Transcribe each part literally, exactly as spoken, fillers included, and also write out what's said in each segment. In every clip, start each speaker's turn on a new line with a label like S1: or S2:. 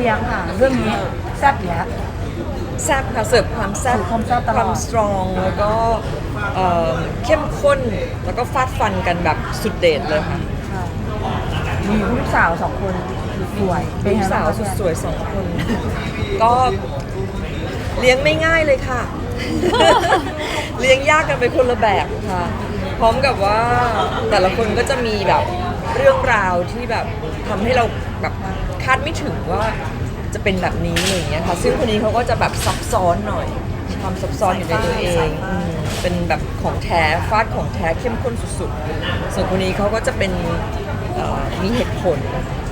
S1: ลี้ยงค่ะเรื่องนี้แซ่บอยู่แล้ว
S2: แซ่บค่ะเสิร์ฟความแซ่บ
S1: ความแซ่บตลอด
S2: ความสตรองแล้วก็เอ่อเข้มข้นแล้วก็ฟาดฟันกันแบบสุดเด็ดเลยค่ะ
S1: มีลูกสาวสองคนสวยเป็น
S2: ลู
S1: ไง
S2: กสาว
S1: บ้ง
S2: สุด
S1: คะ
S2: สวยสองคน ก็เลี้ยงไม่ง่ายเลยค่ะ เลี้ยงยากกันไปคนละแบบค่ะ พร้อมกับว่าแต่ละคนก็จะมีแบบเรื่องราวที่แบบทำให้เราแบบคาดไม่ถึงว่าจะเป็นแบบนี้อะไรอย่างเงี้ยค่ะซึ่งคนนี้เขาก็จะแบบซับซ้อนหน่อยความซับซ้อนอยู่ในตัวเองอืมเป็นแบบของแท้ฟาดของแท้เข้มข้นสุดๆส่วนคนนี้เขาก็จะเป็นเอ่อมีเหตุผล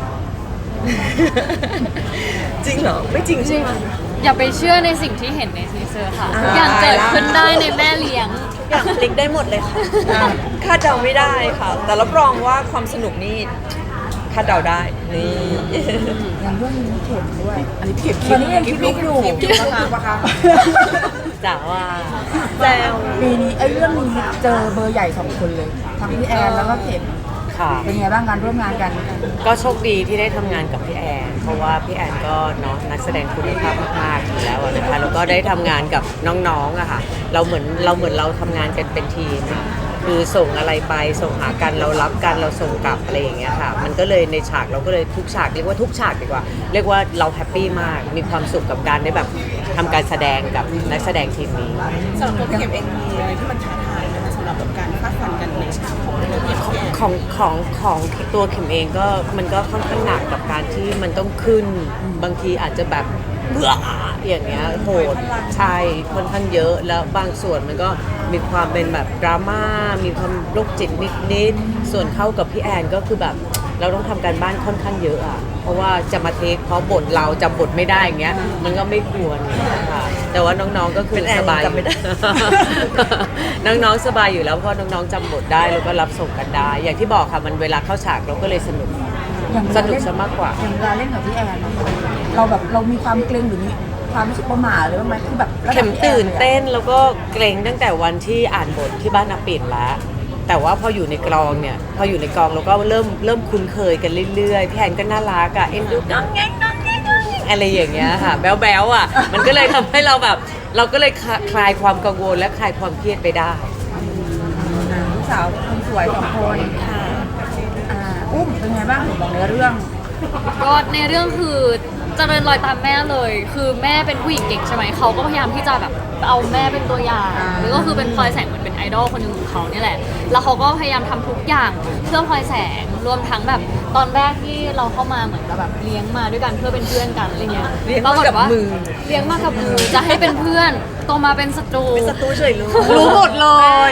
S2: จริงเหรอ ไม่จริงใช่ไหม
S3: อย่าไปเชื่อในสิ่งที่เห็นในทีเซอร์ค่ะ
S2: อ่า
S3: ทุกอย่างเกิดขึ้นได้ในแม่เลี้ยง
S4: อย่างพลิกได้หมดเลยค่ะ
S2: คาดเดาไม่ได้ค่ะ แต่รับรองว่าความสนุกนี่คาดเดาได้นี่
S1: อย่างเรื่องนี้เข็มด้วย
S4: อันนี้เข็ม
S1: ตอนนี้ยังคิดลูกอยู่
S4: คิดลูกปะคะ
S2: จ๋าว่า
S4: แล้ว
S1: ปีนี้ไอ้เรื่องนี้เจอเบอร์ใหญ่สองคนเลยทั้งพี่แอนแล้วก็เข็ม
S5: ค่ะ
S1: เป็นไงบ้างการร่วมงานกัน
S5: ก็โชคดีที่ได้ทำงานกับพี่แอน เพราะว่าพี่แอนก็เนาะนักแสดงคุณภาพมากๆอยู่แล้วอะนะคะแล้วก็ได้ทำงานกับน้องๆอะค่ะเราเหมือนเราเหมือนเราทำงานกันเป็นทีมคือส่งอะไรไปส่งหากันเรารับกันเราส่งกลับอะไรอย่างเงี้ยค่ะมันก็เลยในฉากเราก็เลยทุกฉากเรียกว่าทุกฉากดีกว่า เรียกว่าเราแฮปปี้มากมีความสุขกับการได้แบบทำการแสดงกับนักแสดงทีมนี้
S4: สำหรับตัวพี่เข็มเองมีอะไรที่มันท้าทายนะคะสำหรับแบบการฟาดฟันกันในฉากของเรื่องเข็มพี่แอน
S5: ของของของตัวเข็มเองก็มันก็ค่อนข้างหนักกับการที่มันต้องขึ้นบางทีอาจจะแบบเบื่ออย่างเงี้ยโหดใช่ค่อนข้างเยอะแล้วบางส่วนมันก็มีความเป็นแบบดราม่ามีความโรคจิตนิดๆส่วนเข้ากับพี่แอนก็คือแบบเราต้องทำการบ้านค่อนข้างเยอะอ่ะเพราะว่าจะมาเทคเพราะบทเราจำบทไม่ได้อย่างเงี้ยมันก็ไม่ควรค่ะแต่ว่าน้องๆก็คือ
S2: เป็นแอน
S5: สบาย
S2: จำไม่ได้
S5: น้องๆสบายอยู่แล้วเพราะน้องๆจำบทได้แล้วก็รับส่งกันได้ อย่างที่บอกค่ะมันเวลาเข้าฉากเราก็เลยสนุก
S1: อย่างเว
S5: ส
S1: ลา
S5: นุก
S1: เล่น
S5: ซะมากกว่า
S1: อย่างเวลาเล่นกับพี่แอนอะเราแบบเรามีความเกรงหรือมีความรู้สึกประหม่าหรือว่าไหมคือแบบระดับ
S5: เข็ม
S1: พี่แอ
S5: ตื่น
S1: ลยอะ
S5: เต้นแล้วก็เกรงตั้งแต่วันที่อ่านบทที่บ้านอาปิ่นแล้ว แต่ว่าพออยู่ในกลองเนี่ยพออยู่ในกองเราก็เริ่มเริ่มคุ้นเคยกันเรื่อยๆพี่แอนก็น่ารักอะเอ็นดูน้องแงงน้องแงงน้องแงงอะไรอย่างเงี้ยค่ะแบ๊วๆอะมันก็เลยทำให้เราแบบ เราก็เลยคลายความกังวลและคลายความเครียดไปได้
S1: อ่าลูกสาวคนสวยสองคนอ่าอุ้มเป็นไงบ้างบอกในเรื่อง
S3: ก็ในเรื่องคือเจริญรอยตามแม่เลย คือแม่เป็นผู้หญิงเก่งใช่ไหม เขาก็พยายามที่จะแบบเอาแม่เป็นตัวอย่าง
S1: อ่า
S3: หรือก็คือเป็นพลอยแสงเหมือนเป็นไอดอลคนหนึ่งของเขาเนี่ยแหละ แล้วเขาก็พยายามทำทุกอย่างเพื่อพลอยแสง รวมทั้งแบบตอนแรกที่เราเข้ามาเหมือนกับแบบเลี้ยงมาด้วยกันเพื่อเป็นเพื่อนกันอะไรเงี้ย
S2: เลี้ยงมากับมือ
S3: เลี้ยงมากับมือ จะให้เป็นเพื่อนโตมาเป็นศัตรู
S2: เป็นศัตรูเฉยรู้
S5: รู้หมดเลย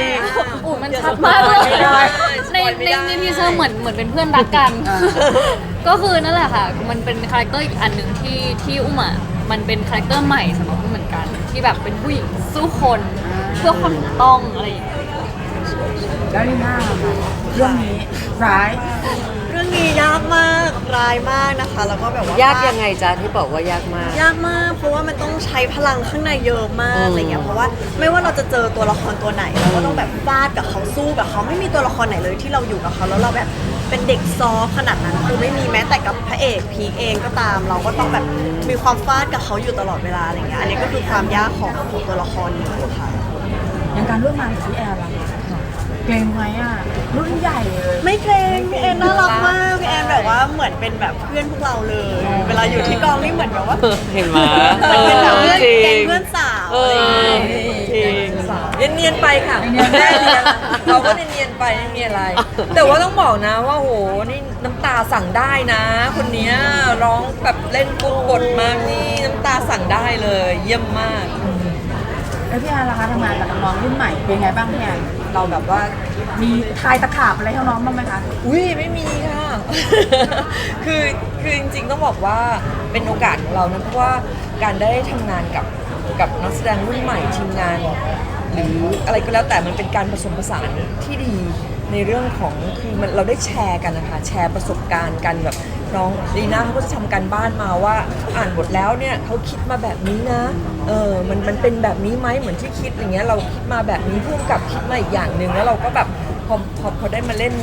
S3: อู๋มันชัดมากเลย
S2: ไม่ได้
S3: ใน
S2: ไม่
S3: ใน
S2: ได้
S3: ในทีเซอร์เหมือนเหมือนเป็นเพื่อนรักกัน ก็คือนั่นแหละค่ะ มันเป็นคาแรคเตอร์อีกอันหนึ่งที่ที่อุ้มอ่ะ มันเป็นคาแรคเตอร์ใหม่สำหรับอุ้มเหมือนกัน ที่แบบเป็นผู้หญิงสู้คนเพื่อความถูกต้องอะไรอย่างเงี้ย
S1: แล้วนี่หน้าค่ะเรื่องนี้ร้าย
S4: เรื่องนี้ยากมากร้ายมากนะคะ แล้วก็แบบว่าย
S5: ากยังไงจ๊ะที่บอกว่ายากมาก
S4: ยากมาก เพราะว่ามันต้องใช้พลังข้างในเยอะมาก
S5: อืม
S4: อะไรเงี้ยเพราะว่าไม่ว่าเราจะเจอตัวละครตัวไหนเราก็ต้องแบบฟาดกับเขาสู้กับเขาไม่มีตัวละครไหนเลยที่เราอยู่กับเขาแล้วเราแบบเป็นเด็กซอฟต์ขนาดนั้นคือไม่มีแม้แต่กับพระเอกพีคเองก็ตาม เราก็ต้องแบบมีความฟาดกับเขาอยู่ตลอดเวลาอะไรเงี้ยอันนี้ก็คือความยากของของตัวละครนี้ค่ะ
S1: อย่างการร่วมงานกับพี่แอนล่ะเกรงไหมอ่ะรุ่นใหญ่เลย
S4: ไม่เกรงพี่แอนน่ารักมากพี่แอนแบบว่าเหมือนเป็นแบบเพื่อนพวกเราเลย เวลาอยู่ที่กองนี่เหมือนแบบว่า
S5: เห็นไหม
S4: เหมือนเป็นแบบเพื่อน
S5: จริ
S4: แก๊ง
S5: ง
S4: เพื่อนสาว
S5: เอ
S4: อะไรอย่าง
S5: อ
S4: เงี้ย
S5: จริง
S2: เนียนๆไปค่ะ
S1: เนียนๆ
S2: แม่เนียนเราก็เนียนๆไปไม่มีอะไร แต่ว่าต้องบอกนะว่าโหนี่น้ำตาสั่งได้นะ คนเนี้ยร้องแบบเล่นปุ๊บบทมากนี่น้ำตาสั่งได้เลย เยี่ยมมาก
S1: แล้วพี่แอนล่ะคะทำงานกับน้องๆรุ่นใหม่เป็นไงบ้างพี่แอนเราแบบว่ามีทายตะขาบอะไรให้น้องบ้างไหมคะ
S2: อุ้ยไม่มีค่ะ คือคือจริงๆต้องบอกว่าเป็นโอกาสของเรานะเพราะว่าการได้ทำงานกับกับนักแสดงรุ่นใหม่ทีมงาน หรืออะไรก็แล้วแต่มันเป็นการผสมผสานที่ดีในเรื่องของคือมันเราได้แชร์กันนะคะแชร์ประสบการณ์กันแบบน้องลีน่าเขาก็จะทำการบ้านมาว่าอ่านบทแล้วเนี่ยเขาคิดมาแบบนี้นะเออมันมันเป็นแบบนี้ไหมเหมือนที่คิดอย่างเงี้ยเราคิดมาแบบนี้พุ่งกับคิดมาอีกอย่างหนึ่งแล้วเราก็แบบพอพอพอได้มาเล่น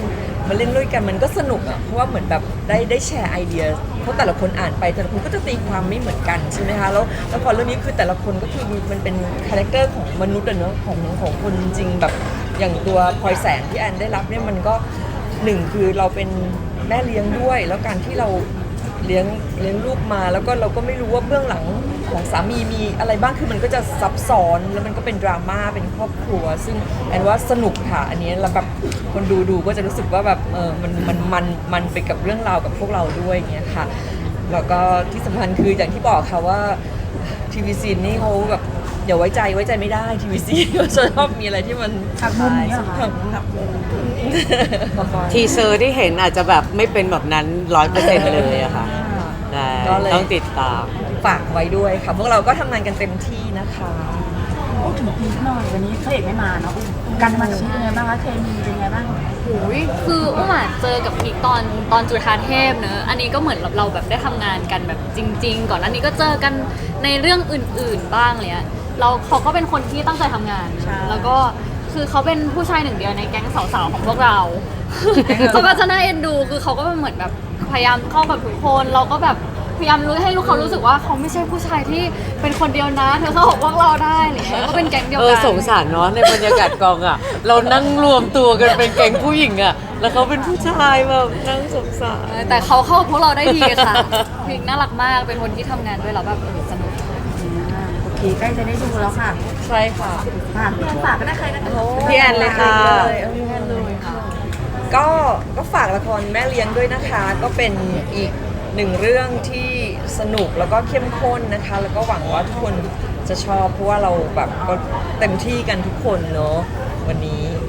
S2: มาเล่นด้วยกันมันก็สนุกอ่ะเพราะว่าเหมือนแบบได้ได้แชร์ไอเดียเพราะแต่ละคนอ่านไปแต่ละคนก็จะตีความไม่เหมือนกันใช่ไหมคะแล้วแล้วพอเรื่องนี้คือแต่ละคนก็คือมันเป็นคาแรคเตอร์ของมนุษย์อะเนอะของของคนจริงๆแบบอย่างตัวพลอยแสงที่แอนได้รับเนี่ยมันก็หนึ่งคือเราเป็นแม่เลี้ยงด้วย แล้วการที่เราเลี้ยงเลี้ยงลูกมาแล้วก็เราก็ไม่รู้ว่าเบื้องหลังของสามีมีอะไรบ้างคือมันก็จะซับซ้อนแล้วมันก็เป็นดราม่าเป็นครอบครัว ซึ่งแอนว่าสนุกค่ะอันนี้แล้วแบบคนดูดูก็จะรู้สึกว่าแบบเออมันมันมันมันไปกับเรื่องราวกับพวกเราด้วยอย่างเงี้ยค่ะแล้วก็ที่สำคัญคืออย่างที่บอกค่ะว่าทีวีซีนี่เขาแบบอย่าไว้ใจไว้ใจไม่ได้ทีวีซีก็ชอบมีอะไรที่มัน
S1: หักมุมอย่างเงี้ยเหรอคะ
S2: หักมุม
S5: ทีเซอร์ที่เห็นอาจจะแบบไม่เป็นแบบนั้นร้อยเปอร์เซ็นต์เลยอะค่ะได้
S2: ก็เลย
S5: ต้องติดตาม
S2: ฝากไว้ด้วยค่ะพวกเราก็ทำงานกันเต็มที่นะคะ
S1: พูดถึงพีคหน่อยวันนี้พระเอกไม่มาเนาะการทำงานกับพีคเป็นไงบ้างคะเคมีเป็นไงบ้าง
S3: โอ้ยคืออุ้มอะเจอกับพีคตอนตอนจุฬาเทพเนอะอันนี้ก็เหมือนเราแบบได้ทำงานกันแบบจริง ๆ ก่อนอันนี้ก็เจอกันในเรื่องอื่น ๆบ้างเลยอะเราเขาก็เป็นคนที่ตั้งใจทำงาน แล้วก็คือเขาเป็นผู้ชายหนึ่งเดียวในแก๊งสาวๆของพวกเรา เขาก็จะน่าเอ็นดูคือเขาก็เหมือนแบบพยายามเข้ากับทุกคนเราก็แบบพยายามรู้ให้ลูกเขารู้สึกว่าเขาไม่ใช่ผู้ชายที่เป็นคนเดียวนะเธอเข้ากับพวกเราได้อะไรอย่างเงี้ยก็เป็นแก๊งเดียว
S5: เอ
S3: กั
S5: อน สงสารเนาะในบรรยากาศกองอ่ะ เรานั่งรวมตัวกันเป็นแก๊งผู้หญิงอ่ะ แล้วเขาเป็นผู้ชายแบบนั่งสงสาร
S3: แต่เขาเข้ากับพวกเราได้ดีค่ะพีคน่ารักมากเป็นคนที่ทำงานด้วยแล้วแบบเออสนุก
S1: อ่าโอเคใกล้จะได้ดูแล้วค่ะ
S2: ใช่ค่ะ
S1: ฝากพี่แอนฝากก็ได้ใครนะคะ
S5: พี่แอนเลยค่ะ
S2: เลยเอาพี่แอนเลยค่ะก็ก็ฝากละครแม่เลี้ยงด้วยนะคะ ก็เป็นอีกหนึ่งเรื่องที่สนุกแล้วก็เข้มข้นนะคะ แล้วก็หวังว่าทุกคนจะชอบเพราะว่าเราแบบก็เต็มที่กันทุกคนเนาะวันนี้